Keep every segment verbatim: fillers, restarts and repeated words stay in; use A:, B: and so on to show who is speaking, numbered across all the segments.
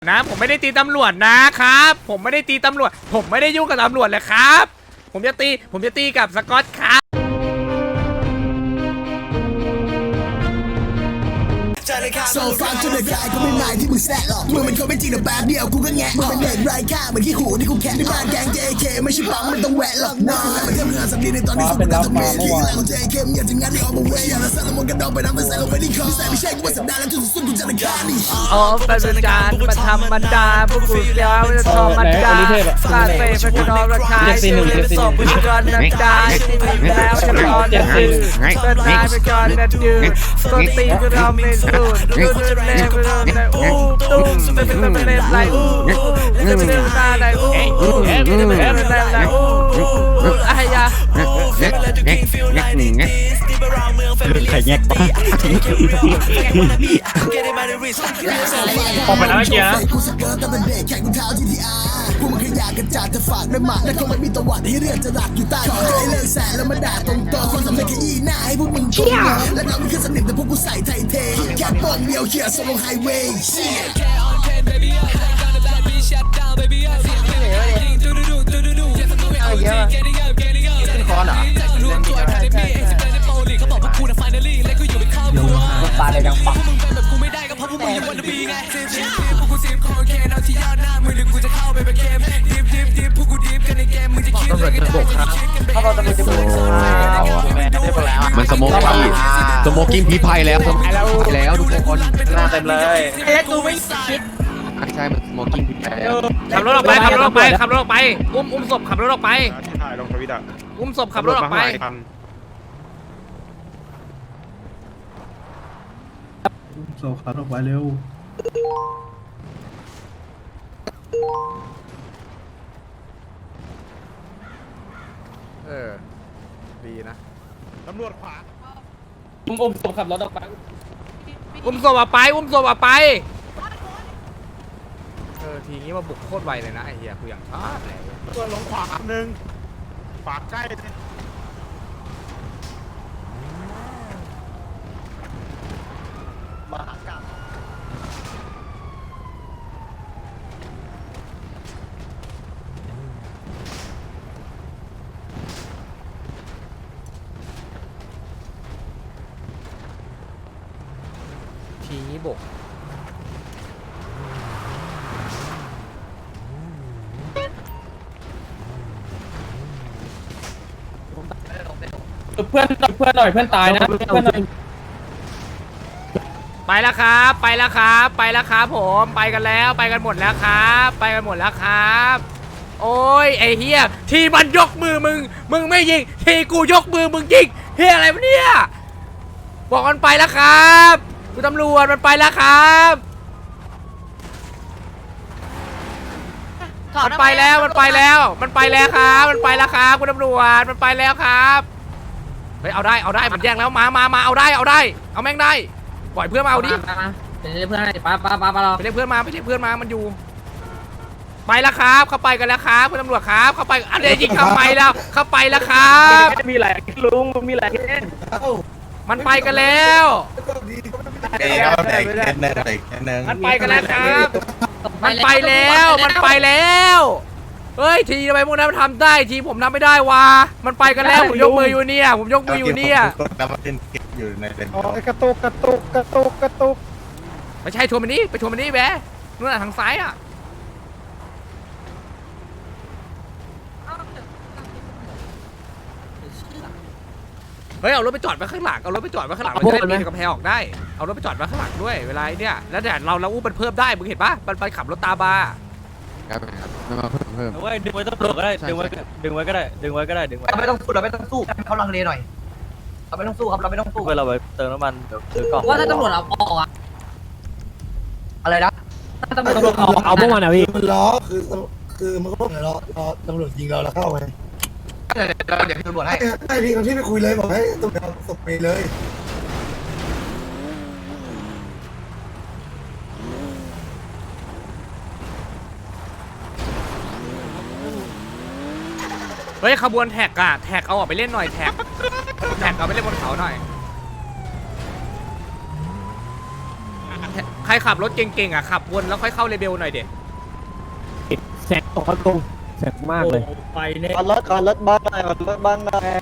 A: นะผมไม่ได้ตีตำรวจนะครับผมไม่ได้ตีตำรวจผมไม่ได้ยุ่งกับตำรวจเลยครับผมจะตีผมจะตีกับสกอตครับ
B: โซฟาจนเดือดกายก็ไม่หมายที่มึงแซะหรอกมึงเป็นคนไม่จริงแต่แป๊บเดียวกูก็แงะมึงเป็นเด็กไร้ค่าเหมือนขี้หูที่กูแค่ในบ้านแกง เจ เค ไม่ใช่ปังมันต้องแหวะหรอกน้องมันแค่เรื่องสำลีในตอนที่สุดมันต้องเมย์ที่แรงของ เจ เค มึงอยากจะงัดในออกมาเวย์อยากจะสร้างละมนกันดองไปน้ำไปใส่ลงไปที่คอใส่ไม่ใช่กูว่าสัปดาห์แล้วจนสุดกูจะได้ฆ่านี่
A: อ๋อเป็นการมาธรรมดาพวกกูเดียวจะธรรมดาลาเฟ่เป็นกระดองราคาชื่อจะสอบเป็นก้อนนักดาที่มีแล้วจะรอจะตื่นเป็นนายเป็นก้อนนัดยืนต้นตีก็เราไม่สูดดูดูเล่ไปโดนได้อู้ตุ้มเป็นเป็นเป็นเป็นไรอู้จะเป็นตาได้อู้เป็นเป็นเป็นไรอู้อะไรยะ
C: ไข่แยกปะออกไปแล้วเมื่อกี้นะ
B: กูสเกิร์ตตั้งแต่เด็กแข่งกูเท้า จี ที อาร์ พวกมึงขยะกระจาดจะฝากด้วยหมาและคงไม่มีตะวัดให้เรื่องจะหลักอยู่ใต้ขอให้เลิกแสแล้วมาด่าตรงๆคนสำเร็จแค่อีหน้าให้พวกมึงชมและน้องมึงคือสนิมแต่พวกกูใส่ไทยเทแค่ปองเดียวเขี่ยส่งลงไฮเวย์เชี่ย
D: คอนเหรอปลาเลยดังปักต้องเกิดระบบครับถ้าเราจะมีจะมี
C: มันสโมกกิ้งสโมกกิ้งพีไพแล้วสโมกกิ้งแล้วทุกคนหน้าเต็มเลย
D: แล้วกูไม่คิด
C: ใช่มันสโมกกิ้งพีไพแล้ว
A: ขับรถออกไปขับรถออกไปขับรถออกไปอุ้มอุ้มศพขับรถออกไป
E: ที่ถ่ายลงทวิตอ่ะ
A: อุ้มศพขับรถออกไป
F: โซขับออกไปเร็ว
A: เออดีนะ
E: ตำรวจขวา
C: อุ้มอุ้มศพขับรถออกไป
A: อุ้มศพออกไปอุ้มศพออกไปเออทีนี้มาบุกโคตรไวเลยนะไอ้เหี้ยกูอย่างชอบเลย
E: ตัวลงขวาหนึ่งขวาใกล้เลย
B: มหากาพย์
A: ทีนี้บุก
C: เพื่อนเพื่อนหน่อยเพื่อนตายนะเพื่อนหน่อย
A: ไปแล้วครับไปแล้วครับไปแล้วครับผมไปกันแล้วไปกันหมดแล้วครับไปกันหมดแล้วครับโอ้ยไอ้เฮียทีมันยกมือมึงมึงไม่ยิงทีกูยกมือมึงยิงเฮียอะไรวะเนี่ยบอกมันไปแล้วครับคุณตำรวจมันไปแล้วครับมันไปแล้วมันไปแล้วมันไปแล้วครับมันไปแล้วครับคุณตำรวจมันไปแล้วครับเฮ้ยเอาได้เอาได้มันแย่งแล้วมามามาเอาได้เอาได้เอาแม่งได้ปล่อยเพื่อนมาเอาดิ
D: ไปเรียกเพื่อนให้ป้าป้าป้าป้าเรา
A: ไปเรียกเพื่อนมาไปเรียกเพื่อนมามันอยู่ไปแล้วครับเข้าไปกันแล้วครับคุณตำรวจครับเข้าไปอันเดียยิงเข้าไปแล้วเข้าไปแล้วครับ
C: มีอะไรลุงมีอะไร
A: มันไปกันแล้วมันไปกันแล้วครับมันไปแล้วมันไปแล้วเฮ้ยทีทำไมพวกนั้นมันทำได้ทีผมทำไม่ได้วะมันไปกันแล้วผมยกมืออยู่เนี่ยผมยกมืออยู่เนี่ย
E: อยู่ในเต็นท์
F: กระตุกกระตุกกระตุกกระตุก
A: ไม่ใช่ชวนมันนี่ไปชวนมันนี่แบะนู่นทางซ้ายอ่ะเฮ้ยเอารถไปจอดไว้ข้างหลังเอารถไปจอดไว้ข้างหลังเราจะได้ปีนกำแพงออกได้เอารถไปจอดไว้ข้างหลังด้วยเวลาเนี่ยแล้วแต่เราเราอู้มันเพิ่มได้มึงเห็นปะมันไปขับรถตาบา
C: ครับครับไม่มาเพิ่มเพิ่ม
G: เว้ยดึงไว้ต้องปลุกก็ได้ดึงไว้ดึงไว้ก็ได้ดึงไว้ก็ได้ดึงไว้
D: เราไม่ต้องสู้เราไม่ต้องสู้เขาลังเลหน่อยเราไม่ต้องสู้ครับเราไม่ต้องสู้
G: เพื่อเราไปเติมน้ำมันเดี๋ยวซื้อกล่อง
D: ว่าถ้าตำรวจเอาออกอะอะไรนะถ้าตำรวจเอา
C: เอาพวกมันอะพี่
B: มันล้อคือคือมันก็ต้องรอรอตำรวจยิงเราแล้วเข้าไป
D: เดี๋ยวเดี๋ยวตำรวจให้
B: ให้พี่คนที่ไปคุยเลยบอกให้ตำรวจส่งไปเลย
A: เฮ้ยขบวนแท็กอะแท็กเอาออกไปเล่นหน่อยแท็กแท็กเอาไปเล่นบนเขาหน่อยใครรขับรถเก่งๆอ่ะขับวนแล้วค่อยเข้าเลเบลหน่อยเด็
F: แสงตกเขาตรงแสงมากเลย
G: ไปเนี่ย
D: รถก่อนรถบ้านหน่อยรถบ้านหน่อย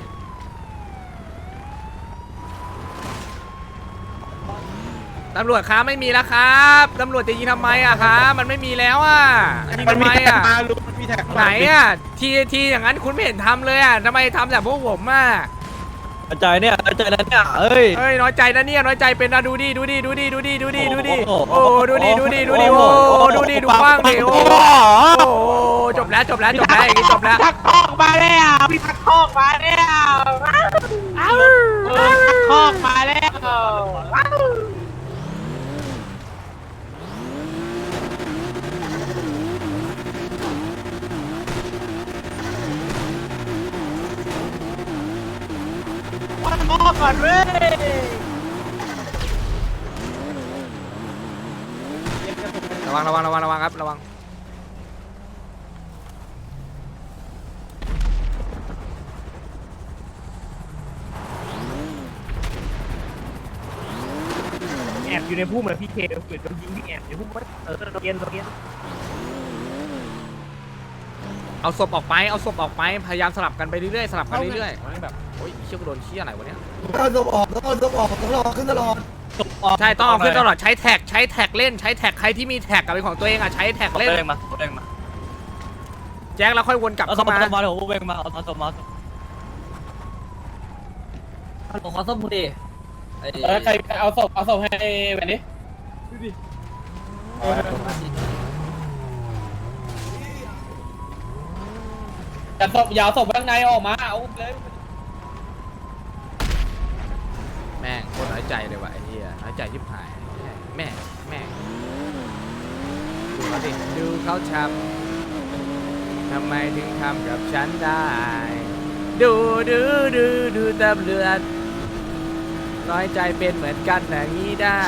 A: ตำรวจครับไม่มีแล้วครับตำรวจจะยิงทำไมอะครับมันไม่มีแล้วอะยิงทำไมอะ
E: มาลุงมีแท็ก
A: ไหนอะทีทีอย่างนั้นคุณไม่เห็นทำเลยอะทำไมทำแต่พวกผมอะ
G: ใจเนี่ยใจนั้นเนี่ยเอ้ย
A: เฮ้ยน้อยใจนะเนี่ยน้อยใจเป็นนะดูดิดูดิดูดิดูดิดูดิดูดิ
G: โอ้
A: โอ้
G: โห
A: ดูดิดูดิดูดิโอ้ดูดิดูบ้างดิโอ้โอ้จบแล้วจบแล้วจบแล้วอย่างนี้จบแล้ว
H: ทักทอกมาแล้วพี่ทักทอกมาแล้วเอ้าทักทอกมาแล้ววันมอก่อนเว้ย
A: ระวังระวังระวังระวังครับระวังแอบอยู่ในพุ่มเลยพี่เคเกิดโดนยิงที่แอบอยู่พุ่มเออโดนเย็นโดนเย็นเอาศพออกไปเอาศพออกไปพยายามสลับกันไปเรื่อยๆสลับกันเรื่อยๆแบบโอ้ยเชี่ยกูโดนเชี่ยอะไรวะเนี่ย
B: ต้องต้องออกต้องต้องออกต้องรอขึ้นตลอด
A: ใช่ต้องเอาขึ้นตลอดใช้แท็กใช้แท็กเล่นใช้แท็กใครที่มีแท็กกับเป็นของตัวเองอ่ะใช้แท็ก
G: เล่
A: เล่น
G: นมาเล่นมา
A: แจ็คแล้วค่อยวนกลับ
G: เอาส
A: เข้าม มา
G: มาเดี๋ยวเวงมาเอาสมมา
D: ผมขอส้มพูดี
H: เออใครเอาศพเอาศพให้แบบนี้แต่ศพยาวศพข้างในออกมาเอาเลย
A: แม่งโคตรน้อยใจเลยว่ะไอ้เหี้ยน้อยใจยิบหายแม่แม่ดูเขาดิดูเขาทำทำไมถึงทำกับฉันได้ดูดูดูดูตำรวจน้อยใจเป็นเหมือนกันอย่างนี้ได้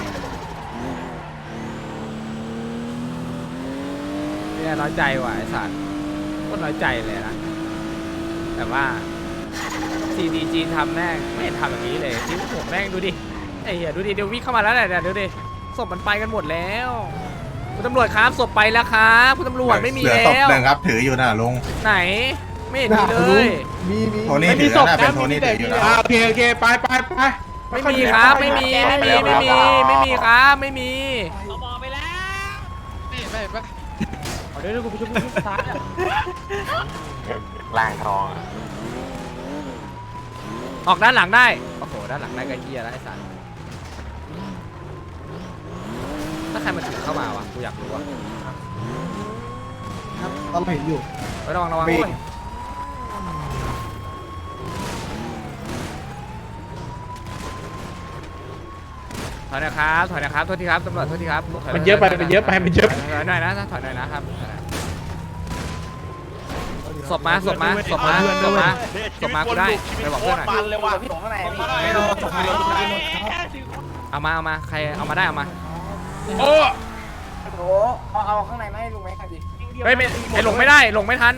A: เนี่ยน้อยใจว่ะไอ้สัตว์โคตรน้อยใจเลยนะแต่ว่า ซี ดี จี ทำแม่งไม่เห็นทำอย่างนี้เลยที่ผมแม่งดูดิไอ้เหี้ยดูดิเดี๋ยววิ่งเข้ามาแล้วเนี่ยเดี๋ยวดิศพมันไปกันหมดแล้วคุณตำรวจครับศพไปแล้วครับคุณตำรวจไม่มี
E: เหลือ
A: แล้
E: ศพ
A: ว
E: หนึ่งครับถืออยู่น่ะลุง
A: ไหนไม่เห็นมีเลย
F: มีมี
E: โทนี่ถือนะเป็นโทนี่ถืออยู่นะ
H: โอเคโอเคไปไปไป
A: ไม่มีครับไม่มีไม่มีไม่มีไม่มีครับไม่มี
H: เราบอกไปแล้ว
C: นี่ไม่ปะ
H: เดี๋ยวกูไปช่วยกูตาย
E: ล่างทอง
A: ออกด้านหลังได้โอ้โหด้านหลังได้ก็เหี้ยแล้วไอ้สัตว์ถ้าใครมาถึงเข้ามาวะกูอยากรู้ว่ะ
F: ครับเราเห็นอยู่
A: ไประวังระวังด้วยถอยนะครับถอยนะครับโทษทีครับตำรวจโทษทีครับถ
H: มันเยอะไปมันเยอะไปมันเยอะ
A: ถอยหน่อยนะถอยหน่อยนะครับศพมาศพมาศพมาศพมาศพมากูได้ไปบอกเพื่อนหน่อย
H: มันเลยว่ะพี่ข้างในไม่โดน
A: เอามาเอามาใครเอามาได้เอามา
H: โอ้
F: โอ้เอาเอาข้างในมาให้ลุงไหมครับดิ
A: เฮ้ยไม่ไอหลงไม่ได้หลงไม่ทัน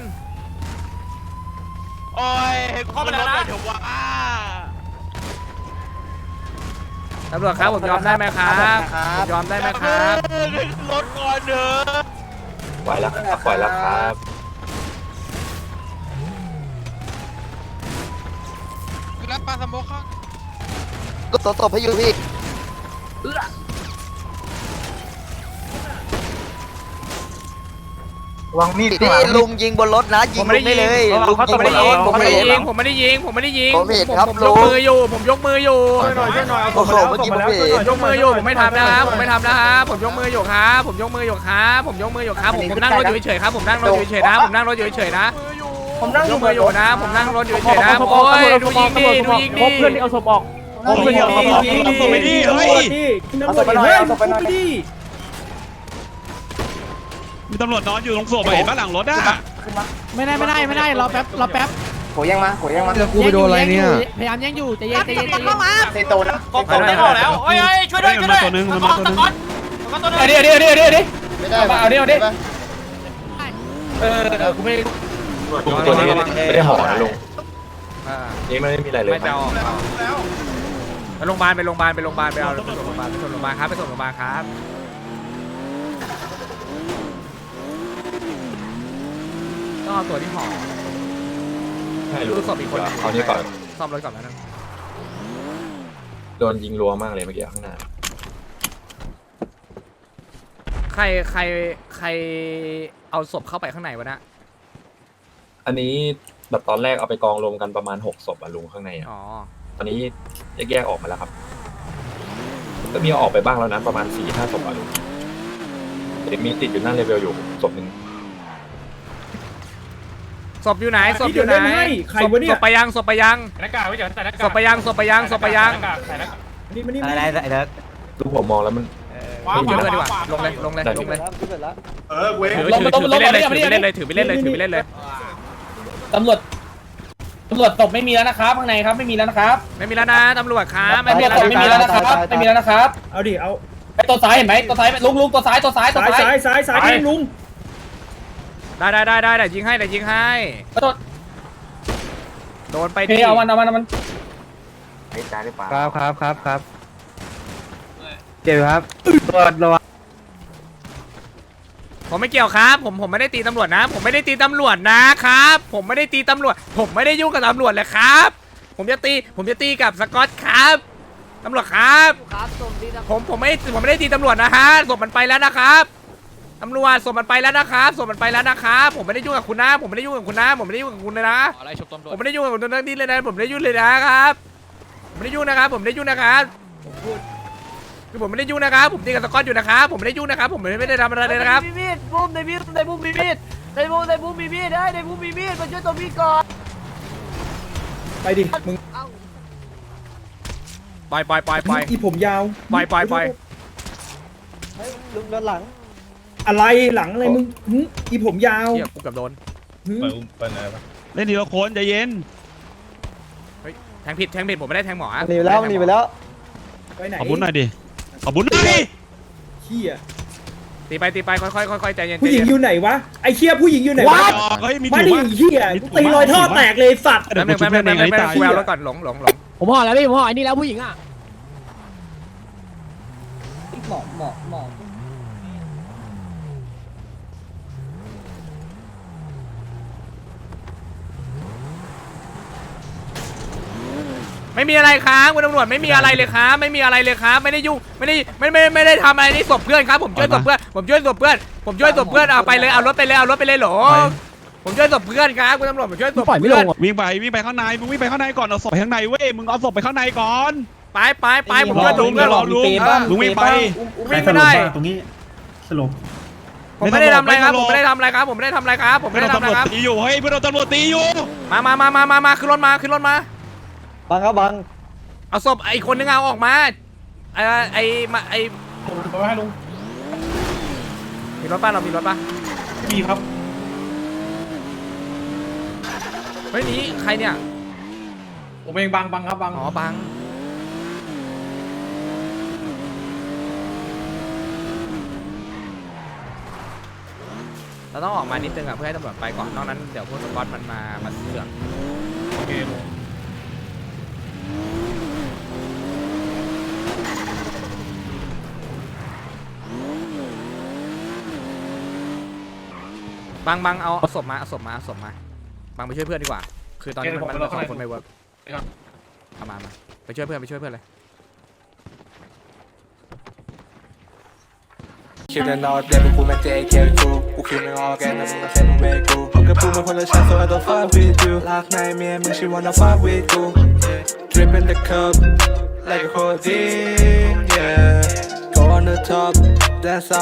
H: โอ้ยเข้าไปแล้วนะเดี๋ยวว่า
A: ตำรวจครับผมยอมได้ไหมครับผมยอมได้ไหมครับ
H: รถก่อนเถอะ
E: ปล่อยแล้วครับปล่อยแล้วครับ
C: รับปลาสโมกข้าง
D: ก็ตบให้อยู่พี่
E: วางมีด
D: พี่ลุงยิงบนรถนะยิ
A: ผ
D: ง
A: มไม่ได้
D: ได้
A: ยิง
D: เลยลุง
A: ผม
D: ยิง
A: ไม่
D: บ
A: ได้
D: นร
A: ยิ
D: ถ
A: ง
D: ผม
A: ผม
D: ไม่
A: ไม่ได้
D: เห็น
A: ยิงผมไม่ได้ยิงผมไม่ได้ยิง
D: ผมเห็นครับ
A: ผม
D: ลุ
A: ย
D: ง
A: กมืออยู่ผมยกมืออยู่
F: ช่วยหน่อยช่วยหน่อยเอา
D: โอ้โหเมื่อกี้ผมเห็น
A: ยกมืออยู่ผมไม่ทำนะครับผมไม่ทำนะครับผมยกมืออยู่ครับผมยกมืออยู่ครับผมยกมืออยู่ครับผมผมนั่งรถอยู่เฉยๆครับผมนั่งรถอยู่เฉยๆนะผมนั่งรถอยู่เฉยๆนะ
F: ผมนั่ง
A: ยกมืออยู่นะผมนั่งรถอยู่เฉยๆนะโอ้ยดูยิงดิดูยิงดิ
F: เพื่อนที่เอาศพออก
A: เอาศพออกเอาศพออก
H: เอาศพไปดิเฮ้ย
F: เอาศพไปหน่อยเอาศพไปหน่อย
H: มีตำรวจนอนอยู่ตรงศพเห็นบ้านหลังรถอ่ะ
I: ไม่ได้ไม่ได้ไม่ได้รอแป๊บรอแป๊บ
F: โหยังมาโหยังมา
C: แล้วกูไปโดนอะไรเนี่ย
I: พยายามยังอยู่ใจเย็นใจเย็นใจเย็น
F: เซโตนะ
A: ผมผมได้ออกแล้วโอ้ย
H: ช่วยด้วยช่วยด้วยตัวนึงมันมาตัวนึง
F: เดี๋ยวเดี๋ยวเดี๋ยวเดี๋ยวเดี๋ยว
D: ไม่ได้
F: เอาเดี๋ยวเดี๋ยวเออกูไม่
E: ตัวนี้ไม่ได้ห่อนะลุง
A: อ่า
E: นี่ไม่ได้มีอะไรเลย
A: ไม่ไปเอาออกเอาไปโรงพยาบาลไปโรงพยาบาลไปโรงพยาบาลไปเอาไปส่งโรงพยาบาลไปส่งโรงพยาบาลครับไปส่งโรงพยาบาลครับเอาตัวที่ห่อ
E: ให้รู้
A: ดูศพอีกคน
E: เอานี่ก่อน
A: ซ่อมรถก่อนนะ
E: โดนยิงรัวมากเลยเมื่อกี้ข้างหน้า
A: ใครใครใครเอาศพเข้าไปข้างในวะนะ
E: อันนี้แบบตอนแรกเอาไปกองรวมกันประมาณหกศพอะลุงข้างในอะ
A: อ๋อ
E: ตอนนี้แยกๆออกมาแล้วครับก็มีเอาออกไปบ้างแล้วนะประมาณสี่ห้าศพอะลุงเดี๋ยวมีติดอยู่หน้าเลเวลอยู่ศพหนึ่ง
A: ศพอยู่ไหนศพอยู่ไหน
F: ใครวะเนี่ย
A: ศพไปยังศพไปยัง
G: หน้ากากไว้เดี๋ยวใส่หน้ากาก
A: ศพไปยังศพไปยังศพไปยัง
G: ใส่หน้ากาก
F: นี่มานี่
D: อะไรอะไรไอ้เด็ก
E: ลุงผมมองแล้วมัน
A: ถือไปเลยดีกว่าลงเลยลงเลยลงเลย
H: เออเว้ย
A: ถือถือถือไปเล่นเลยถือไปเล่นเลยถือไปเล่นเลยถือไปเล่นเลย
D: ตำรวจตำรวจตบไม่มีแล้วนะครับข้างในครับไม่มีแล้วนะครับ
A: ไม่มีแล้วนะตำรวจครับไม่
D: ตำร
A: มี
D: วจ
A: แล้ว
D: ตบไม่มีแล้วนะครับไม่มีแล้วนะครับ
F: เอาดิเอา
D: ไอ้ตัวซ้ายเห็นไหมตัวซ้ายลุงลุงตัวซ้ายตัวซ้ายตัว
F: ซ้าย
D: ซ้าย
F: ซ้ายซ้ายซ้ายลุง
A: ได้ได้ได้ได้ได้ยิงให้ได้ยิงให้
D: ตัว
A: โดนไป
D: เฮ้ยเอามันเอามันเอามัน
C: ครับครับครับครับเจ็บครับตรวจระวัง
A: ผมไม่เกี่ยวครับผมผมไม่ได้ตีตำรวจนะ ผมไม่ได้ตีตำรวจนะครับ ผมไม่ได้ตีตำรวจ ผมไม่ได้ยุ่งกับตำรวจเลยครับ ผมจะตีผมจะตีกับสกอตครับตำรวจครับผมผมไม่ผมไม่ได้ตีตำรวจนะฮะศพมันไปแล้วนะครับตำรวจศพมันไปแล้วนะครับศพมันไปแล้วนะครับผมไม่ได้ยุ่งกับคุณนะ ผมไม่ได้ยุ่งกับคุณนะ ผมไม่ได้ยุ่งกับคุณเลยนะ
C: อะไรชมตำรวจ
A: ผมไม่ได้ยุ่งกับคุณตรงนี้เลยนะผมไม่ได้ยุ่งเลยนะครับผมไม่ได้ยุ่งนะครับผมไม่ได้ยุ่งนะครับผมพูดคือผมไม่ได้ยุ่งนะครับผมตีกับสกอตอยู่นะครับผมไม่ได้ยุ่งนะครับผมไม่ได้ทำอะไรเลยนะครับ
D: มีมีดบุ้มในมีดในบุ้มมีมีดในบุ้มในบุ้มมีมีดได้ในบุ้มมีมีดมาช่วยตัวมีดก่อน
F: ไปดิมึง
A: ปล่อยปล่อยปล่อยปล่อย
F: อีผมยาว
A: ปล่อยปล่อยปล่อย
F: ลุงด้านหลัง อะไรหลังอะไรมึงหึอีผมยาว
A: เฮียกูเกับโดน
F: หึ
G: เล่นทีละคนใจเย็น
A: แทงผิดแทงผิดผมไม่ได้แทงหมอ
I: หนีไปแล้วหนีไปแล้ว
F: ไปไหน
G: ขอบุญหน่อยดิขอบุญหน่อยดิ
F: เหี้ย
A: ตีไปตีไปค่อยๆค่อยๆใจเย็น
F: ผู้หญิงอยู่ไหนวะไอ้เชี่ยผู้หญิงอยู่ไหนวะ
G: เฮ้ยมี
F: มา
G: ถู
F: ดิ
G: กปะ
F: เหี้ยกูตีรอยท่อแตกเลยสัตว์
A: แป๊บนึงแป๊บนึงแป๊บนึงแป๊บนึงกูเอารถก่อนหลงหลงหลง
I: ผมห่อแล้วพี่ผมห่อไอ้นี่แล้วผู้หญิงอ่ะ
D: หมอหมอหมอ
A: ไม่มีอะไรครับคุณตำรวจไม่มีอะไรเลยครับไม่มีอะไรเลยครับไม่ได้ยุ่งไม่ได้ไม่ไม่ไม่ได้ทำอะไรนี่ศพเพื่อนครับผมช่วยศพเพื่อนผมช่วยศพเพื่อนผมช่วยศพเพื่อนเอาไปเลยเอารถไปเลยเอารถไปเลยหรอผมช่วยศพเพื่อนครับคุณตำรวจผมช่วยศพ
I: ปล่อยไม่
A: เพื่
I: ล
A: อน
I: งอ่ะ
G: วิ่งไปวิ่งไปข้างในมึงวิ่งไปข้างในก่อนเอาศพไปข้างในเว้ยมึงเอาศพไปข้างในก่อน
A: ไปไปไปผมช่วยศพเพื่อน
G: รอลุงลุงวิ่งไป
A: วิ่งไม่ได้
F: ตรงนี้สรุป
A: ผมไม่ได้ทำอะไรครับผมไม่ได้ทำอะไรครับผมไม่ได้ทำอะไรครับผม
G: เพื่
A: ไม่
G: อน
A: ได้
G: โดน
A: ทำอะไร
G: ตำรวจ
A: ครับ
G: ตีอยู่เฮ้ยเพื่อนโดนตำรวจตีอยู่
A: มามามามามามาขึ้นรถมาขึ้นรถมา
I: บังครับบัง
A: เอาศพไอ้คนนึงเอาออกมาไอ้ไอ้มาไอ้
F: ผมจะให้ลุง
A: มีรถป่ะเรามีรถป่ะ
F: มีครับ
A: เฮ้ยนี้ใครเนี่ย
F: ผมเองบังบังครับบัง
A: อ๋อบังเราต้องออกมานิดนึงอ่ะเพื่อให้ตำรวจไปก่อนนอกนั้นเดี๋ยวพวกสกอตมันมามาเสือก
F: โอเค
A: บังบังเอาเอาศพมาเอาศพมาเอาศพมาบังไปช่วยเพื่อนดีกว่า คือตอนนี้มันมันสองคนไม่เวิร์กเอามามาไปช่วยเพื่อนไปช่วยเพื่อนเลย
J: คิดแต่นอนเด็กพวกกูแม่ง เจ เค กูกูคิดไม่ออกแกนะมึงก็แค่มึงเวกูพวกกับกูมันคนละชั้น so I don't fuck with you ลากในเมียมึง she wanna fuck with กู drip in the cup like a codeine yeah go on the top dance